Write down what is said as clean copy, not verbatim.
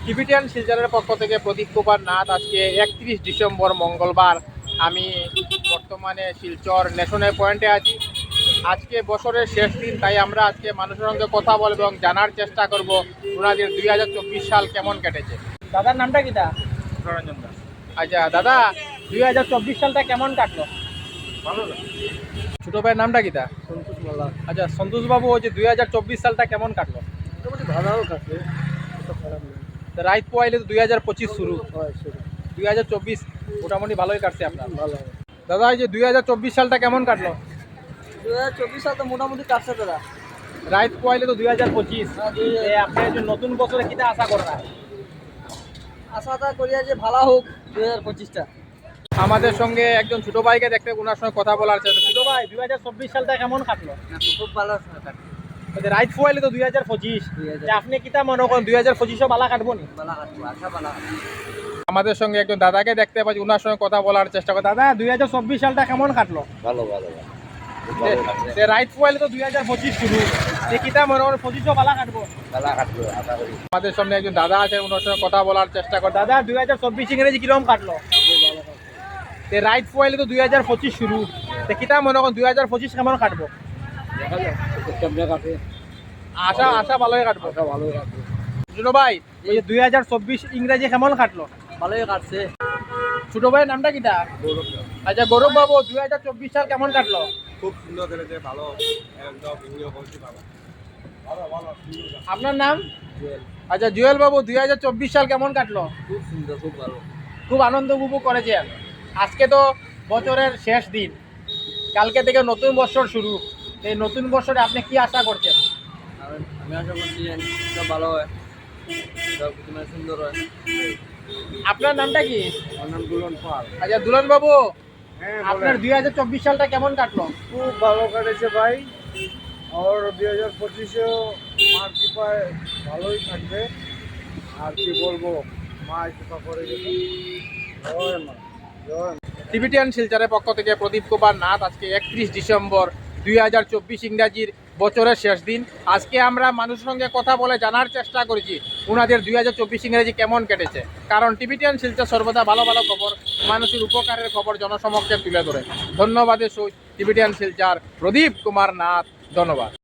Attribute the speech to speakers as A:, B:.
A: Tibetan শিলচরের পক্ষ থেকে প্রদীপ কুমার নাথ। আজকে 31 ডিসেম্বর মঙ্গলবার। আমি বর্তমানে শিলচর ন্যাশনাল পয়েন্টে আছি। আজকে বছরের শেষ দিন, তাই আমরা আজকে মানুষের সঙ্গে কথা বলবো এবং জানার চেষ্টা করব ওনাদের 2024 সাল কেমন কেটেছে। দাদার নামটা কিটা?
B: রঞ্জন দাস।
A: আচ্ছা দাদা, 2024 সালটা কেমন কাটলো?
B: ভালো।
A: ছোট ভাইয়ের নামটা কিটা?
B: সন্তোষ মালা।
A: আচ্ছা সন্তোষ বাবু, ওই যে 2024 সালটা কেমন কাটলো?
B: মোটামুটি ভালো কাছে, এত খারাপ নেই।
A: রাইত পোয়াইলে তো 2025 শুরু,
B: হয় সেটা
A: 2024 মোটামুটি ভালোই কাটছে আপনার।
B: ভালো।
A: দাদা এই যে 2024 সালটা কেমন কাটলো?
B: 2024 সাল তো মোটামুটি কাটছে দাদা।
A: রাইত পোয়াইলে তো 2025।
B: হ্যাঁ, 2000
A: আপনি যে নতুন বছরে কিটা আশা করেন?
B: আশাটা করিয়া যে ভালো হোক 2025টা।
A: আমাদের সঙ্গে একজন ছোট ভাইকে দেখতে, ওনার সঙ্গে কথা বলার চেষ্টা। ছোট ভাই, 2024 সালটা কেমন কাটলো?
B: খুব ভালো
A: রাইত পোয়াইলে তো 2025। আপনি কিটা মনে করেন 2025ও ভালো কাটবো নি?
B: ভালো কাটবো, আশা ভালো।
A: আমাদের সঙ্গে একজন দাদাকে দেখতে পাচ্ছি, ওনার সঙ্গে কথা বলার চেষ্টা করি। দাদা 2024 সালটা কেমন কাটলো?
B: ভালো ভালো
A: রাইত পোয়াইলে তো 2025 শুরু, কিটা মনে করেন 25ও ভালো কাটবো?
B: ভালো কাটবো আশা করি।
A: আমাদের সামনে একজন দাদা আছে, ওনার সঙ্গে কথা বলার চেষ্টা কর। দাদা 2024 ইংরেজি কিরকম কাটলো? রাইট পোয়াইলে তো 2025 শুরু, কিটা মনে করেন 2025 কেমন কাটবো?
B: দেখা যাক কেমনে কাটে।
A: আশা আশা ভালোই কাটবো।
B: আশা ভালোই কাটবে।
A: ছোট ভাই, এই যে 2024 ইংরেজি কেমন কাটলো?
B: ভালোই কাটছে।
A: ছোট ভাইয়ের নামটা কিটা? আচ্ছা গৌরব বাবু, 2024 সাল কেমন কাটলো?
B: খুব সুন্দর কেটেছে, ভালো একদম ভিডিও করছি ভালো। ভালো ভালো
A: আপনার নাম? আচ্ছা জুয়েল বাবু, 2024 সাল কেমন কাটলো?
B: খুব সুন্দর, খুব ভালো।
A: খুব আনন্দ উপভোগ করেছেন। আজকে তো বছরের শেষ দিন, কালকে থেকে নতুন বছর শুরু। এই নতুন বছরে আপনি কি আশা করছেন?
B: আমি আশা করছি সব ভালো হয়, সব কিছু সুন্দর হয়।
A: আপনার নামটা কি?
B: আমার নাম দুলন পাল।
A: আচ্ছা দুলন বাবু,
B: হ্যাঁ
A: আপনার 2024 সালটা কেমন কাটলো?
B: খুব ভালো কাটেছে ভাই। আর 2025-এও মার কৃপায় ভালোই থাকবে। আর কি বলবো, মা কৃপা করে গেছে। জয় মা, জয় মা।
A: টিবিটিয়ান শিলচরের পক্ষ থেকে প্রদীপ কুমার নাথ। আজকে 31 ডিসেম্বর 2024 ইংরাজির বছরের শেষ দিন। আজকে আমরা মানুষের সঙ্গে কথা বলে জানার চেষ্টা করেছি ওনাদের 2024 ইংরাজি কেমন কেটেছে। কারণ টিবিটিয়ান শিলচর সর্বদা ভালো ভালো খবর, মানুষের উপকারের খবর জনসমক্ষে তুলে ধরে। ধন্যবাদের সহিত টিবিটিয়ান শিলচর প্রদীপ কুমার নাথ। ধন্যবাদ।